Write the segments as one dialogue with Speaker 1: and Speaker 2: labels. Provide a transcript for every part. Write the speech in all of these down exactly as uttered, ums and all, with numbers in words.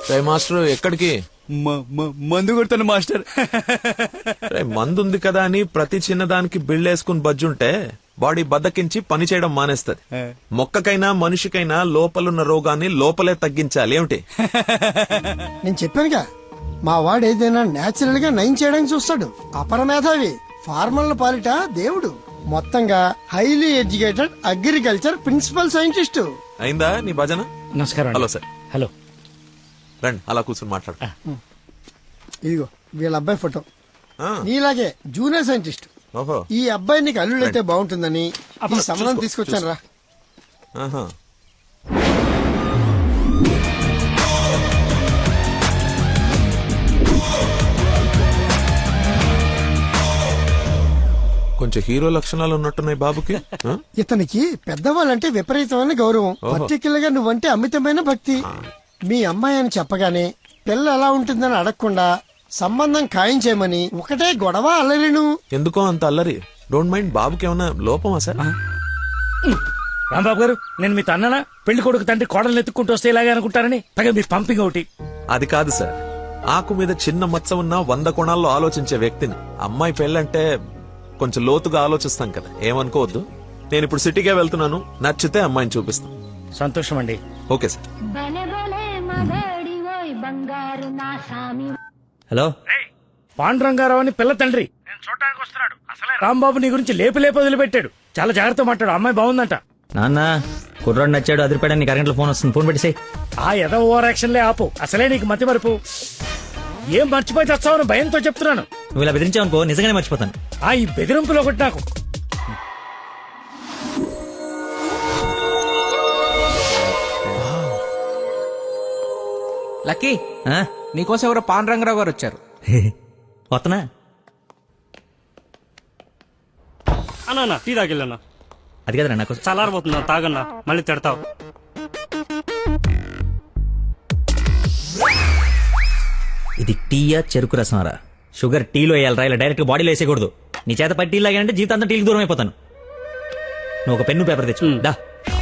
Speaker 1: రే master ఎక్కడికి?
Speaker 2: మందు కొడతాను మాస్టర్.
Speaker 1: రే మందు ఉంది కదా అని ప్రతి చిన్నదానికి బిళ్ళేసుకుని బజ్జుంటే బాడీ బద్దకించి పని చేయడం మానేస్తది. మొక్కకైనా మనిషికైనా లోపలున్న రోగాన్ని లోపలే తగ్గించాలి. ఏమిటి?
Speaker 3: నేను చెప్పానుగా, మా వాడు ఏదైనా నేచురల్ గా నయం చేయడానికి చూస్తాడు. అపరమేధావి, ఫార్మల్ పాలిట దేవుడు. మొత్తంగా highly educated agriculture principal scientist.
Speaker 1: అయిందా నీ భజన?
Speaker 4: నమస్కారం.
Speaker 1: Hello sir.
Speaker 4: హలో
Speaker 1: రండి అలా కూర్చొని మాట్లాడు.
Speaker 3: ఇదిగో వీళ్ళ అబ్బాయి ఫోటో.
Speaker 1: ఆ,
Speaker 3: నీలాగే జూనియర్ సైంటిస్ట్.
Speaker 1: ఓహో.
Speaker 3: ఈ అబ్బాయి నీకు అల్లుడైతే బాగుంటుందని ఈ సంబంధం తీసుకొచ్చాను రా.
Speaker 1: ఆహా. కొంచెం హీరో లక్షణాలు ఉన్నట్టున్నాయి బాబుకి. ఆ?
Speaker 3: ఇతనికి పెద్దవాళ్ళంటే విపరీతమైన గౌరవం. పర్టికులర్ గా నువ్వంటే అమితమైన భక్తి. మీ అమ్మాయి అని చెప్పగానే పిల్ల ఎలా ఉంటుందని అడగకుండా సంబంధం ఖాయం చేయమని ఒకటే గొడవ అల్లరిను.
Speaker 1: ఎందుకో అంత అల్లరి? Don't mind. బాబుకి ఏమన్నా లోపమా సార్?
Speaker 4: రాంబాబు గారు, నేను మీ తన్ననా? పెళ్లి కొడుకు తండ్రి కోడలు ఎత్తుక్కుంటూ వస్తే ఇలాగే అనుకుంటారని పైగా మీ పంపింగ్ ఒకటి.
Speaker 1: అది కాదు సార్, ఆకు మీద చిన్న మచ్చ ఉన్న వంద కోణాల్లో ఆలోచించే వ్యక్తిని. అమ్మాయి పెళ్ళంటే కొంచెం లోతుగా ఆలోచిస్తాం కదా, ఏమనుకోవద్దు. నేను ఇప్పుడు సిటీకే వెళ్తున్నాను, నచ్చితే అమ్మాయిని చూపిస్తాను.
Speaker 4: సంతోషం అండి.
Speaker 1: Okay sir.
Speaker 5: హలో,
Speaker 4: పాండురంగారావు అని పిల్ల తండ్రి నేను చూడటానికి వస్తున్నాడు. అసలే రాంబాబు నీ గురించి లేపు లేపు వదిలిపెట్టాడు. చాలా జాగ్రత్త మాట్లాడు. అమ్మాయి బాగుందంట.
Speaker 5: నాన్న కుర్రాడు నచ్చాడు, అదిరిపాడని నీకు అరగంటలో ఫోన్ వస్తుంది, ఫోన్ పెట్టేసాయి.
Speaker 4: ఆ ఎద ఓవర్ యాక్షన్లే ఆపు. అసలే నీకు మతి మరుపు. ఏం మర్చిపోయి తెస్తావని భయంతో చెప్తున్నాను.
Speaker 5: నువ్వు ఇలా బెదిరించావనుకో నిజంగానే మర్చిపోతాను.
Speaker 4: ఆ ఈ బెదిరింపులో ఒకటి నాకు.
Speaker 6: లక్కీ,
Speaker 5: ఆ?
Speaker 6: నీకోసం ఎవరో పాన్ రంగరావు గారు వచ్చారు.
Speaker 5: వస్తున్నా.
Speaker 7: అన్నా టీ తాగిల్లన్నా.
Speaker 5: అది కదరా నాకు
Speaker 7: చల్లారబోతున్నా, తాగన్నా, మళ్ళీ తిడతావు.
Speaker 5: ఇది టీయా చెరుకు రసమారా? షుగర్ టీలో వేయాలరా, ఇలా డైరెక్ట్ గా బాడీలో వేసేయకూడదు. నీ చేత పట్టి టీ లాగానంటే జీవితాంతా టీకి దూరం అయిపోతాను. నువ్వు ఒక పెన్ను పేపర్ తెచ్చు. దా.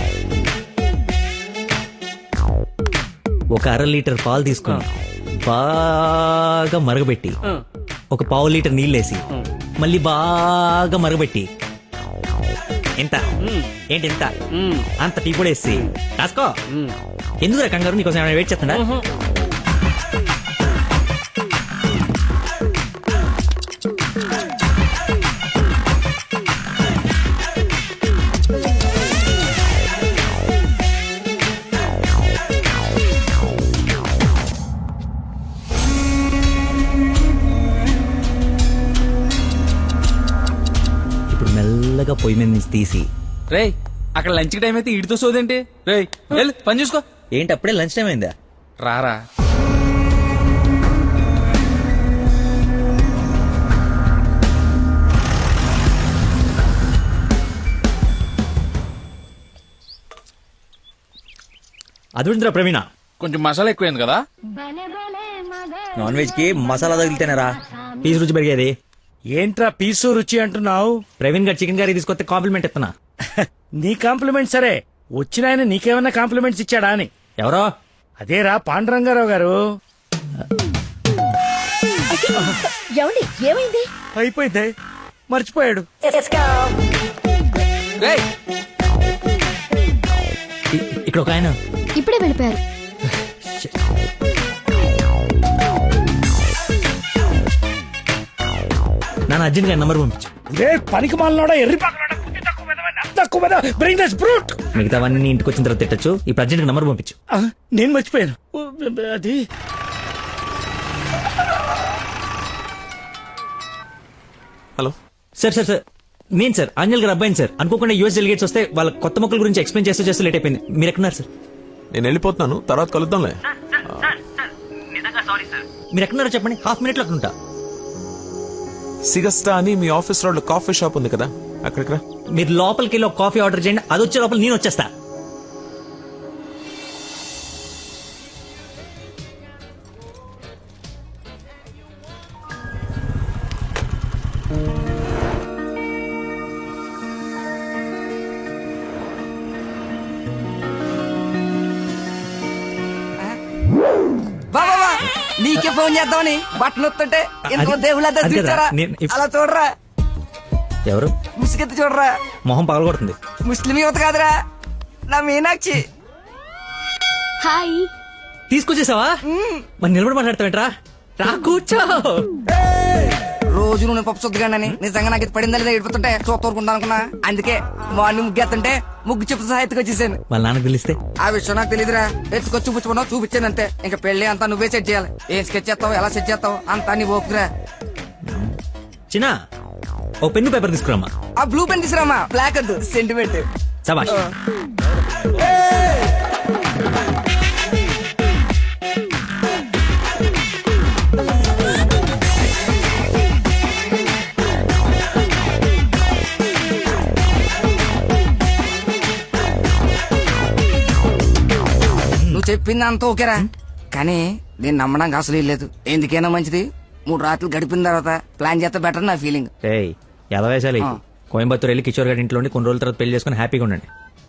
Speaker 5: ఒక అర లీటర్ పాలు తీసుకుని బాగా మరగబెట్టి ఒక పావు లీటర్ నీళ్ళేసి మళ్ళీ బాగా మరగబెట్టి ఎంత ఏంటి ఎంత అంత టీ కూడా వేసి రాసుకో. ఎందుకు కంగారు? నీకోసం ఏమైనా వెయిట్ చేస్తుందా? మెల్లగా పొయ్యి మీద నుంచి తీసి.
Speaker 6: రేయ్, అక్కడ లంచ్ టైం అయితే ఇడితో సోదేంటి? రేయ్ వెళ్ళు, పని చూసుకో.
Speaker 5: ఏంటి అప్పుడే లంచ్ టైం అయిందా?
Speaker 6: రారా.
Speaker 5: అదుందిరా ప్రవీణ,
Speaker 6: కొంచెం మసాలా ఎక్కువైంది కదా.
Speaker 5: నాన్ వెజ్ కి మసాలా తగిలితేనేరా పీసు రుచి పెరిగేది.
Speaker 4: ఏంట్రా పీసు రుచి అంటున్నావు?
Speaker 5: ప్రవీణ్ గారు చికెన్ కర్రీ తీసుకొస్తే కాంప్లిమెంట్ ఇస్తున్నా.
Speaker 4: నీ కాంప్లిమెంట్ సరే, వచ్చిన ఆయన నీకేమన్నా కాంప్లిమెంట్స్ ఇచ్చాడా అని.
Speaker 5: ఎవరో?
Speaker 4: అదేరా పాండురంగారావు గారు.
Speaker 8: ఏమైంది?
Speaker 4: అయిపోయింది, మర్చిపోయాడు.
Speaker 6: రేయ్,
Speaker 5: ఇ- ఇక్కడ ఒక ఆయన.
Speaker 8: ఇప్పుడే వెళ్ళిపోయారు.
Speaker 5: నాన్న అర్జెంట్ గా నంబర్ పంపించు.
Speaker 4: రే పనికి మాలనోడా, ఎర్రి పాకలోడా, బుద్ధి తక్కువ వెధవా, నాకు తక్కువ వెధవా, bring this brute.
Speaker 5: మిగతావన్నీ ఇంటికి వచ్చిన తర్వాత తిట్టచ్చు. ఇప్పుడు అర్జెంట్ గా నంబర్ పంపించు.
Speaker 4: ఆ, నేను మర్చిపోయాను. ఓ, అది
Speaker 1: హలో
Speaker 5: సార్ సార్ సార్ నేను సార్ అంజల్ గారు అబ్బాయిని సార్. అనుకోకుండా యూఎస్ డెలిగేట్స్ వస్తే వాళ్ళ కొత్త మొక్కల గురించి ఎక్స్ప్లెయిన్ చేస్తూ చేస్తూ లేట్ అయిపోయింది. మీరు ఎక్కడున్నారు సార్?
Speaker 1: నేను వెళ్ళిపోతున్నాను, తర్వాత కలుద్దాంలే.
Speaker 5: మీరు ఎక్కడున్నారో చెప్పండి, హాఫ్ మినిట్ లో అక్కడ ఉంటా.
Speaker 1: సిగస్టా అని మీ ఆఫీస్ రోడ్ లో కాఫీ షాప్ ఉంది కదా, అక్కడికి రా.
Speaker 5: మీరు లోపలికి వెళ్ళి ఒక కాఫీ ఆర్డర్ చేయండి, అది వచ్చే లోపల నేను వచ్చేస్తా.
Speaker 6: వా
Speaker 8: నీకే ఫోన్ చేద్దామని బట్టలు వస్తుంటే ఎంతో
Speaker 5: అది-
Speaker 8: దేవుళ్ళ
Speaker 5: అది కదా,
Speaker 8: చూచారా
Speaker 5: నేను ఇప్-
Speaker 8: అలా చూడరా
Speaker 5: ఎవరు
Speaker 8: ముసుగెత్తి చూడరా
Speaker 5: మొహం పగలగొడుతుంది.
Speaker 8: ముస్లిం యువత కాదురా నా మీనాక్షి.
Speaker 9: హాయ్.
Speaker 5: తీసుకొచ్చేసావా? మరి నిలబడి మాట్లాడతావేంట్రా? రా కూర్చో.
Speaker 8: రోజు నువ్వు పప్పు చుద్దగానని నిజంగా నాకు ఇది పడిందా లేదా ఏడిపోతుంటే చూస్తూరుకుంటా అనుకున్నా. అందుకే మార్నింగ్ ముగ్గు ఎత్తుంటే ముగ్గు చెప్పు సహా ఎత్తుకొచ్చేసాను.
Speaker 5: వాళ్ళ నాన్నకు తెలిస్తే
Speaker 8: ఆ విషయం నాకు తెలియదురా. ఎత్తుకొచ్చి చూపించుకున్నావు చూపించాను అంతే. ఇంకా పెళ్లి అంతా నువ్వే సెట్ చేయాలి. ఏం స్కెచ్ చేస్తావు ఎలా సెట్ చేస్తావు అంతా నీ ఓపుకురా.
Speaker 5: చిన్న ఓ పెన్ను పేపర్ తీసుకురామ్మా.
Speaker 8: ఆ బ్లూ పెన్ తీసురామా, బ్లాక్ వద్దు, సెంటిమెంట్.
Speaker 5: సబాష్.
Speaker 8: నువ్వు చెప్పింది అంత ఓకేరా, కానీ నేను నమ్మడానికి అసలు లేదు. ఎందుకైనా మంచిది మూడు రాత్రులు గడిపిన తర్వాత ప్లాన్ చేస్తే బెటర్ నా ఫీలింగ్.
Speaker 5: ఏయ్ ఎలా వేసాలి?
Speaker 8: ఆ.
Speaker 5: కోయంబత్తూర్ వెళ్ళి కిషోర్ గారి ఇంట్లో ఉండి కొన్ని రోజుల తర్వాత పెళ్లి చేసుకుని హ్యాపీగా ఉండండి.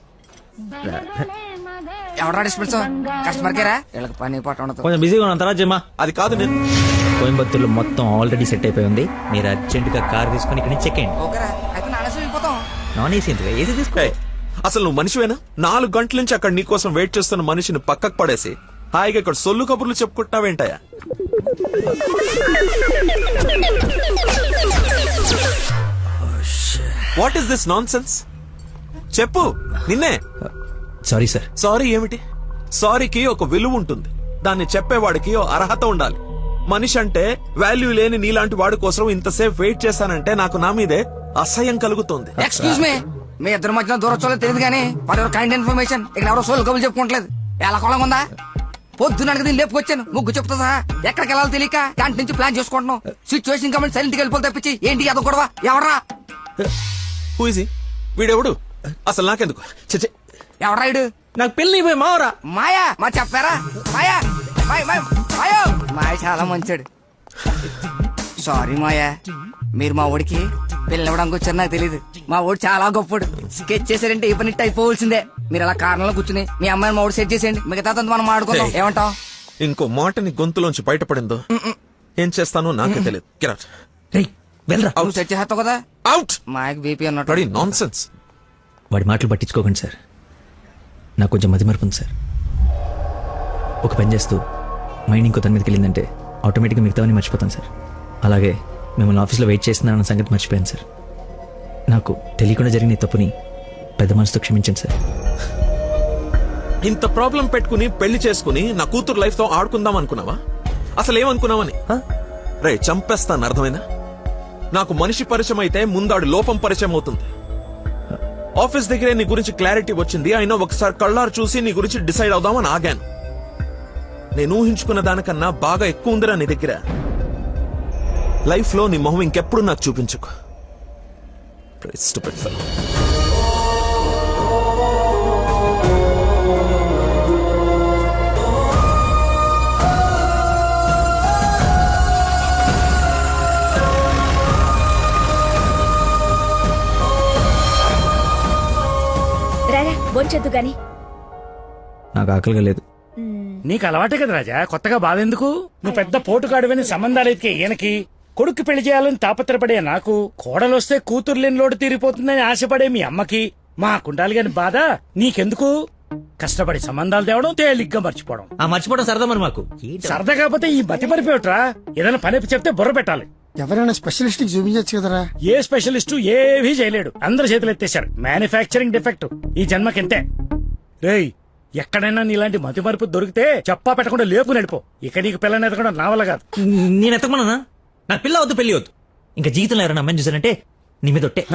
Speaker 8: ఎవరా డిస్పెన్స్ కస్టమర్ కేరా వీళ్ళకి పని పాట ఉండదు.
Speaker 5: కొంచెం బిజీగా ఉన్నాను, తర్వాత జమ్మా.
Speaker 1: అది కాదు నేను
Speaker 5: కోయంబత్తూర్లో మొత్తం ఆల్రెడీ సెట్ అయిపోయి ఉంది. మీరు అర్జెంట్ గా కార్ తీసుకుని ఇక్కడ నుంచి చెక్ అయ్యండి.
Speaker 8: ఓకేరా అయితే నానేసి వెళ్ళిపోతాం.
Speaker 5: నాన్ ఏసీ ఎందుకు? ఏసీ తీసుకో.
Speaker 1: ఏయ్, అసలు నువ్వు మనిషివేనా? నాలుగు గంటల నుంచి అక్కడ నీకోసం వెయిట్ చేస్తున్న మనిషిని పక్కకు పడేసి హాయిగా ఇక్కడ సొల్లు కబుర్లు చెప్పుకుంటున్నావేంటయా? What is this nonsense? చెప్పు, నిన్నే.
Speaker 5: Sorry sir.
Speaker 1: సారీ ఏమిటి? సారీకి ఒక విలువ ఉంటుంది. దాన్ని చెప్పేవాడికి ఓ అర్హత ఉండాలి. మనిషి అంటే వాల్యూ లేని నీలాంటి వాడి కోసం ఇంతసేపు వెయిట్ చేశానంటే నాకు నా మీదే అసహ్యం కలుగుతోంది.
Speaker 8: ఎక్స్క్యూజ్ మీ మీ ఇద్దరు మధ్యన దూరం చూడలేదు తెలియదు కానీ ఫర్ యువర్ కైండ్ ఇన్ఫర్మేషన్ ఇక్కడ ఎవరో సోల్ కబులు చెప్పుకోవట్లేదు. ఎలా కొలం ఉందా? పొద్దున దీన్ని లేపుకొచ్చాను ముగ్గు చెప్తా సహా. ఎక్కడికి వెళ్ళాలో తెలియక క్యాంటీన్ నుంచి ప్లాన్ చేసుకుంటున్నాం. సిచ్యువేషన్ కమెంట్ సైలెంట్ గా వెళ్ళిపోతే తప్పించి ఏంటి అదో గొడవ? ఎవరా
Speaker 1: Who is he? వీడెవడు? అసలు నాకెందుకు? చచ్చే,
Speaker 8: ఎవరా ఇడు?
Speaker 5: నాకు పెళ్లి అయిపోయి మావరా.
Speaker 8: మాయా మా చెప్పారా? మాయా మాయ మాయ మాయో మాయ చాలా మంచాడు. సారీ మాయా, మీరు మా ఊడికి పిల్లవడానికి వచ్చారు నాకు తెలియదు. మా ఊడు చాలా గొప్పడు. స్కెచ్ చేశారంటే ఈ పని అయిపోవలసిందే. మీరు అలా కారణంలో కూర్చుని మీ అమ్మాయిని మా ఊడు సెట్ చేసేయండి. మిగతా మనం ఆడుకుందాం.
Speaker 1: Hey.
Speaker 8: ఏమంటావ్?
Speaker 1: ఇంకో మాట నీ గొంతులోంచి బయటపడిందో ఏం చేస్తానో నాకే తెలియదు. Get out.
Speaker 5: రేయ్ వెళ్ళరా.
Speaker 8: నువ్వు సెట్ చేస్తావు కదా.
Speaker 1: Out.
Speaker 8: మాయకు బీపీ అన్నట్టు.
Speaker 1: Bloody nonsense.
Speaker 5: వాడి మాటలు పట్టించుకోకండి సార్. నాకు కొంచెం మతి మరపు ఉంది సార్. ఒక పని చేస్తూ మైండ్ ఇంకో దాని మీదకి వెళ్ళిందంటే ఆటోమేటిక్గా మిగతావన్నీ మర్చిపోతాను సార్. అలాగే మిమ్మల్ని ఆఫీస్లో వెయిట్ చేస్తున్నానన్న సంగతి మర్చిపోయాను సార్. నాకు తెలియకుండా జరిగిన ఈ తప్పుని పెద్ద మనసుతో క్షమించండి సార్.
Speaker 1: ఇంత ప్రాబ్లం పెట్టుకుని పెళ్లి చేసుకుని నా కూతురు లైఫ్ తో ఆడుకుందాం అనుకున్నావా? అసలు ఏమనుకున్నావని? రే చంపేస్తాను, అర్థమైనా? నాకు మనిషి పరిచయం అయితే ముందాడు లోపం పరిచయం అవుతుంది. ఆఫీస్ దగ్గరే నీ గురించి క్లారిటీ వచ్చింది. అయినా ఒకసారి కళ్ళారు చూసి నీ గురించి డిసైడ్ అవుదామని ఆగాను. నేను ఊహించుకున్న దానికన్నా బాగా ఎక్కువ ఉందిరా నీ దగ్గర. లైఫ్ లో నీ మొహం ఇంకెప్పుడు నాకు చూపించుకో. Stupid fellow.
Speaker 9: రారా బొంచొద్దు గాని.
Speaker 5: నాకు ఆకలిగా లేదు.
Speaker 4: నీకు అలవాటే కదా రాజా, కొత్తగా బాధ ఎందుకు? నువ్వు పెద్ద పోటుకాడువని సంబంధాలు ఎతికే ఈయనకి, కొడుకు పెళ్లి చేయాలని తాపత్రపడే నాకు, కోడలొస్తే కూతురు లేని లోటు తీరిపోతుందని ఆశపడే మీ అమ్మకి, మా కుండాలి గాని బాధ నీకెందుకు? కష్టపడి సంబంధాలు తేవడం, తేలిగ్గా మర్చిపోవడం.
Speaker 5: ఆ మర్చిపోవడం సరదా మరి మాకు.
Speaker 4: సరదా కాకపోతే ఈ మతి మరిపోయట్రా. ఏదైనా పని చెప్తే బుర్ర పెట్టాలి.
Speaker 3: ఎవరైనా స్పెషలిస్ట్ కి చూపించచ్చు కదరా.
Speaker 4: ఏ స్పెషలిస్టు ఏవీ చేయలేడు. అందరు చేతులు ఎత్తేశారు. మ్యానుఫ్యాక్చరింగ్ డిఫెక్ట్ ఈ జన్మకింతే. రేయ్ ఎక్కడైనా నీలాంటి మతి మరుపు దొరికితే చెప్పా పెట్టకుండా లేపు నడిపో. ఇక నీకు పిల్లని ఎదగడం నా వల్ల కాదు.
Speaker 5: నేను ఎత్తకమన్నా? నా పిల్ల వద్దు, పెళ్లి వద్దు. ఇంకా జీవితంలో ఎవరైనా అమ్మాయిని చూసానంటే నీ మీద ఒట్టే.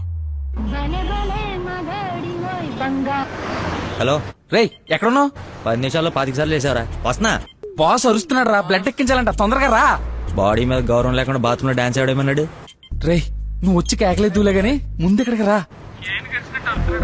Speaker 5: హలో
Speaker 6: రేయ్ ఎక్కడున్నావు?
Speaker 5: పది నిమిషాల్లో పాతిక సార్లు వేసావరా? వస్తున్నా.
Speaker 6: బాస్ అరుస్తున్నాడు రా, బ్లడ్ ఎక్కించాలంట, తొందరగా రా.
Speaker 5: బాడీ మీద గౌరవం లేకుండా బాత్రూమ్ లో డాన్స్ ఆడేమన్నాడు.
Speaker 6: రేయ్ నువ్వు వచ్చి కేకలేదులే గానీ ముందు ఇక్కడికి రా.